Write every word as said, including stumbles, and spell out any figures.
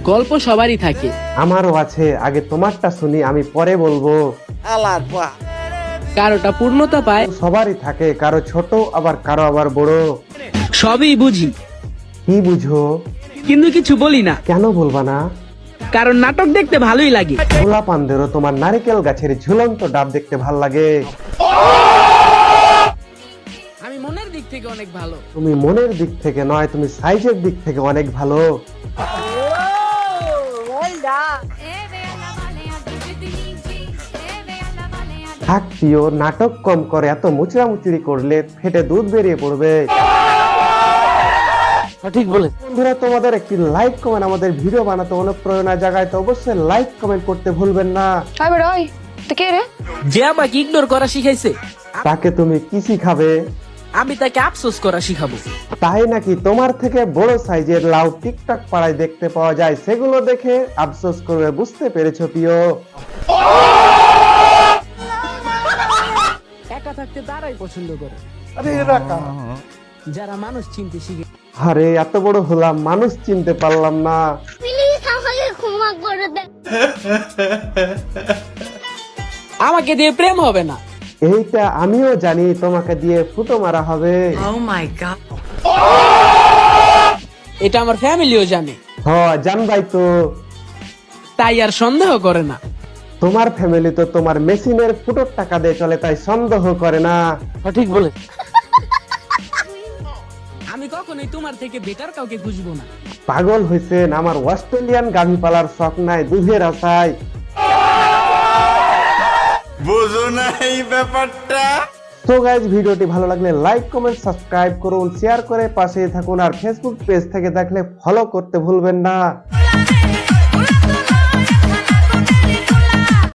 গল্প সবারই থাকে। আমারও আছে, আগে তোমারটা শুনি, আমি পরে বলবো। কারোটা পূর্ণতা পায়, সবারই থাকে, কারো ছোট আবার কারো আবার বড়। সবই বুঝি কি বুঝো? কিন্তু কিছু বলি না, কেন বলবা না? কারণ নাটক দেখতে ভালোই লাগে। গোলা পান্দেরও তোমার নারিকেল গাছের ঝুলন্ত ডাব দেখতে ভাল লাগে। আমি মনের দিক থেকে অনেক ভালো। তুমি মনের দিক থেকে নয়, তুমি সাইজের দিক থেকে অনেক ভালো। থাক প্রিয়, নাটক কম করে, এত মুচড়ামুচড়ি করলে ফেটে দুধ বেরিয়ে পড়বে। ঠিক বলে। বন্ধুরা, তোমাদের একটি লাইক কমেন্ট আমাদের ভিডিও বানাতে অনুপ্রেরণা জাগায়, তো অবশ্যই লাইক কমেন্ট করতে ভুলবেন না। যে আমাকে ইগনোর করা শিখাইছে, তাকে তুমি কি শিখাবে? আমি তাকে আফসোস করা শিখাবো। তাই নাকি? তোমার থেকে বড় সাইজের লাউ টিকটক পাড়ায় দেখতে পাওয়া যায়, সেগুলো দেখে আফসোস করবে, বুঝতে পেরেছো প্রিয়? একা থাকতে তারাই পছন্দ করে, যারা মানুষ চিনতে শিখে। আরে এত বড় হলাম, মানুষ চিনতে পারলাম না। প্লিজ আমাকে ক্ষমা করে দেন। আমাকে দিয়ে প্রেম হবে না, এইটা আমিও জানি, তোমাকে দিয়ে ফুটো মারা হবে। এটা আমার ফ্যামিলিও জানে, হ জানবাই তো। তাই আর সন্দেহ করে না। তোমার ফ্যামিলি তো তোমার মেশিনের ফুটোর টাকা দিয়ে চলে, তাই সন্দেহ করে না। ঠিক বলে। আমি কখনোই তোমার থেকে বেটার কাউকে খুঁজবো না। পাগল হয়েছেন? আমার অস্ট্রেলিয়ান গাভী পালার শখ নাই, দুধের আশায়। বুঝো না এই ব্যাপারটা। তো গাইজ, ভিডিওটি ভালো লাগলে লাইক কমেন্ট সাবস্ক্রাইব করুন, শেয়ার করে পাশে থাকুন, আর ফেসবুক পেজ থেকে দেখলে ফলো করতে ভুলবেন না।